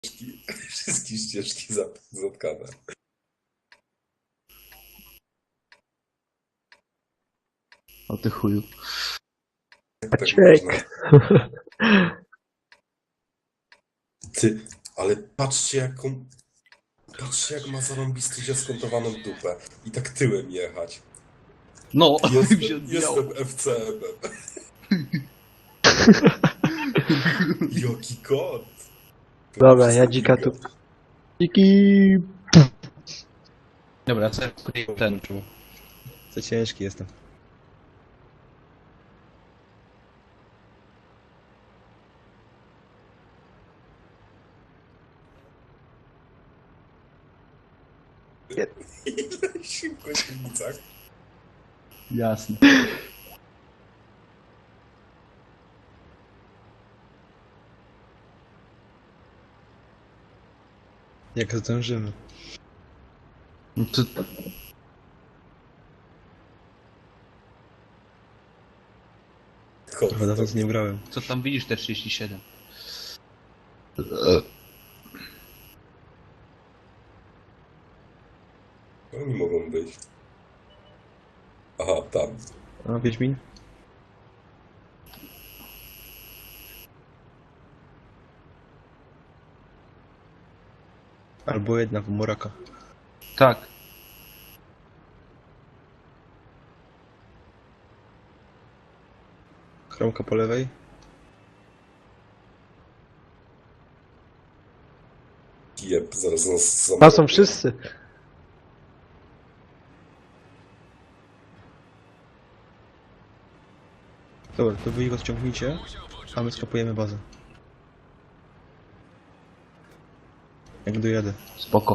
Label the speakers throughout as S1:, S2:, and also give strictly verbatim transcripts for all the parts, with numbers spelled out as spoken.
S1: Wszystkie ścieżki zatkane.
S2: O ty chuju.
S1: Tak
S3: Czek.
S1: można. Ty, ale patrzcie jaką... Patrzcie jak ma zarąbisty skontowaną dupę. I tak tyłem jechać.
S2: No,
S1: Jestem,
S2: mi się odbijało.
S1: jestem F C M-em. Jaki kot.
S3: Dobra, ja dzika tu. Dziki.
S2: Dobra, co ja ten czuł.
S4: Za ciężki jestem.
S1: Ile szybko się w ulicach.
S2: Jasne.
S4: Jak zdążymy.
S2: No to...
S1: Kot,
S4: Chyba dawno
S1: to-
S4: nie brałem.
S2: Co tam widzisz te trzydzieści siedem?
S1: Oni mogą być. Aha, tam.
S4: A, Wiedźmin? Albo jedna w Moraka.
S2: Tak.
S4: Kromka po lewej.
S1: Jeb, zaraz nas zamówią.
S3: Tam są wszyscy.
S4: Dobra, to wy ich odciągnijcie, a my skapujemy bazę. Jak dojadę.
S2: Spoko.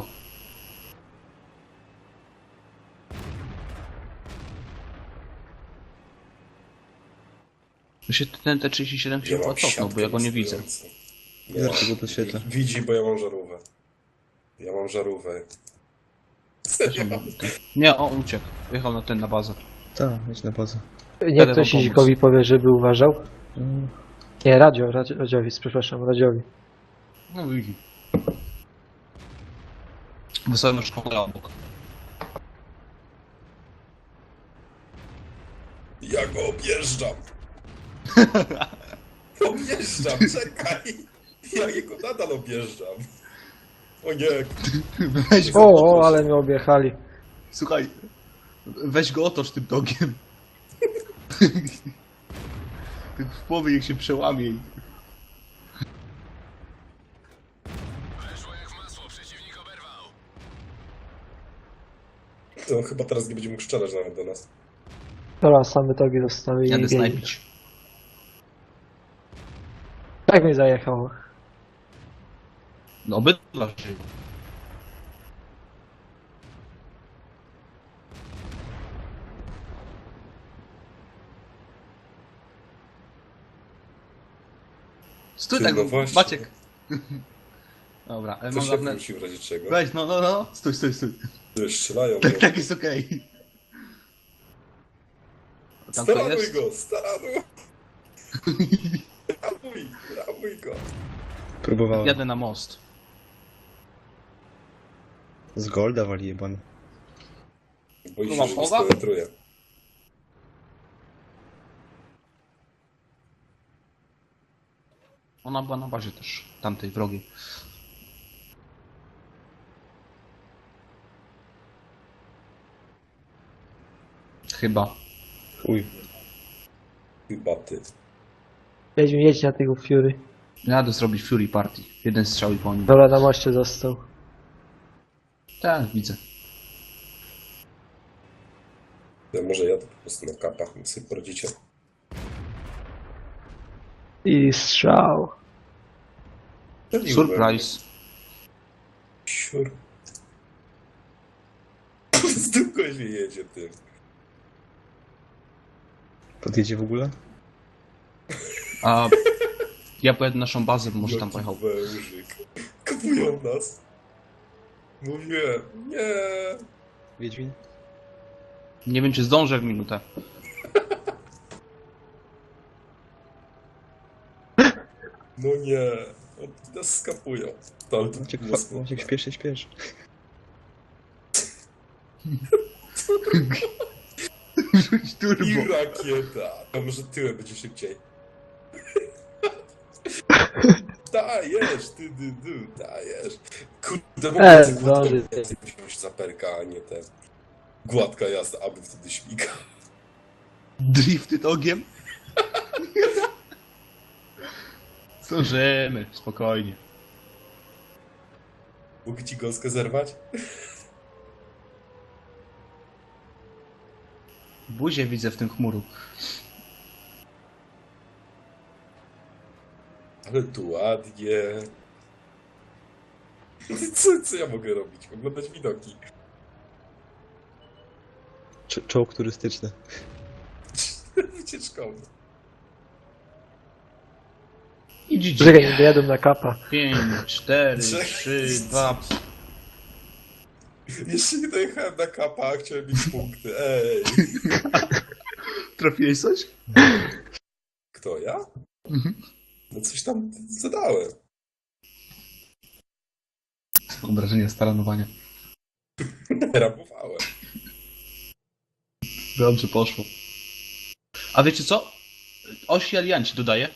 S2: Mi się ten T trzydzieści siedem się
S1: Ja
S2: chyba
S1: mam
S2: cofnął, bo
S1: siatkę
S2: ja go nie widzę.
S1: stojącą.
S4: Zaraz go podświetlę.
S1: Widzi, bo ja mam żarówkę. Ja mam żarówkę. Serio?
S2: Nie, on uciekł. Wjechał na ten, na bazę.
S4: Tak, jedź na bazę.
S3: Niech
S2: Jadę
S3: ktoś
S2: wam pomóc.
S3: Izikowi powie, żeby uważał.
S4: Mm.
S3: Nie, Radio, Radio Radziowi, przepraszam, Radziowi.
S2: No widzi. Wysłałem już szkołę obok.
S1: Ja go objeżdżam. Objeżdżam, czekaj. Ja jego nadal objeżdżam. O nie.
S2: Weź
S3: O, o, ale mnie objechali.
S2: Słuchaj, weź go otocz tym dogiem. Tak w połowie niech się przełamie. i-
S1: To chyba teraz nie będzie mógł strzelać nawet do nas.
S3: Dobra, same togi zostały i
S2: Jadę
S3: biegnie.
S2: snajpić.
S3: Tak mnie zajechało.
S2: No obydwa żyją. Stój
S1: Ty,
S2: tak,
S1: no właśnie.
S2: Maciek. Dobra, ale
S1: To
S2: mam
S1: się
S2: żadne...
S1: wróci w razie czego.
S2: Weź, no, no, no, stój, stój, stój.
S1: Ty, strzelają.
S2: Tak,
S1: no.
S2: tak jest okej. Tam to
S1: Staranuj
S2: jest?
S1: go, staranuj. Ramuj, ramuj go.
S4: Próbowałem.
S2: Jadę na most.
S4: Z Golda wali jebany.
S1: Boi
S2: Tu
S1: się,
S2: mam
S1: że nie
S2: chowa?
S1: spenetruje.
S2: Ona była na bazie też, tamtej wrogiej. Chyba.
S4: Uj.
S1: Chyba ty.
S3: Jedź, jedź na tego Fury.
S2: Jadę zrobić Fury Party. Jeden strzał i po nim.
S3: Dobra, na moście został.
S2: Tak, widzę.
S1: Ja może jadę po prostu na kapach, niech sobie poradzicie.
S3: I strzał.
S2: Surprise.
S1: Siur. Z dupką się jedzie, ty.
S4: Podjedzie w ogóle?
S2: A ja pojadę na naszą bazę, bo może tam
S1: Jaki
S2: pojechał.
S1: wężyk. Kupują nas. Mówiłem, nie.
S4: Wiedźmin?
S2: Nie wiem, czy zdążę w minutę.
S1: No nie. Oni nas skapują. To, to
S4: Maciek,
S1: było
S4: fa-
S1: smutne.
S4: Maciek, śpiesz się, śpiesz.
S2: Rzuć
S1: I
S2: turbo.
S1: rakieta. A może tyłem będzie szybciej. Dajesz, ty, ty, ty, dajesz. Kurde, mogę
S3: E,
S1: za gładką
S3: zdąży.
S1: jazdę wziąć za perka, a nie ten. Gładka jazda, aby wtedy śmiga.
S2: Drifted ogiem. Zdążymy, spokojnie.
S1: Mogę ci gąskę zerwać?
S2: Buzię widzę w tym chmuru.
S1: Ale tu ładnie. Co, co ja mogę robić? Oglądać widoki.
S4: Cze- Czołg turystyczny.
S1: Wycieczkowy.
S2: Idź,
S3: Czekaj, nie dojadą na kapa.
S2: pięć, cztery,
S1: Czekaj.
S2: trzy, dwa.
S1: Jeszcze nie dojechałem na kapa, a chciałem mieć punkty. Ej.
S2: Trafiłeś coś?
S1: Kto, ja?
S2: Mhm.
S1: No coś tam zadałem.
S2: Obrażenie staranowania.
S1: Rapowałem.
S2: Dobrze poszło. A wiecie co? Osi alianci dodaję.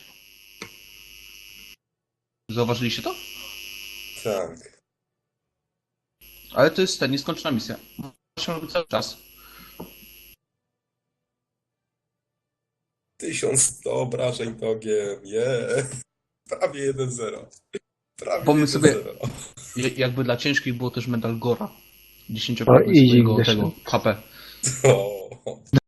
S2: Zauważyliście to?
S1: Tak.
S2: Ale to jest ta nieskończona misja. Muszę robić cały czas.
S1: tysiąc sto obrażeń dogiem. Yeah. Prawie jeden zero. Prawie
S2: Pomysł
S1: jeden
S2: sobie-
S1: zero.
S2: Je- Jakby dla ciężkich było też medal Gora.
S3: O,
S2: dziesięciokrotnie
S3: easy
S2: swojego
S3: Ignacy.
S2: tego H P.
S1: O.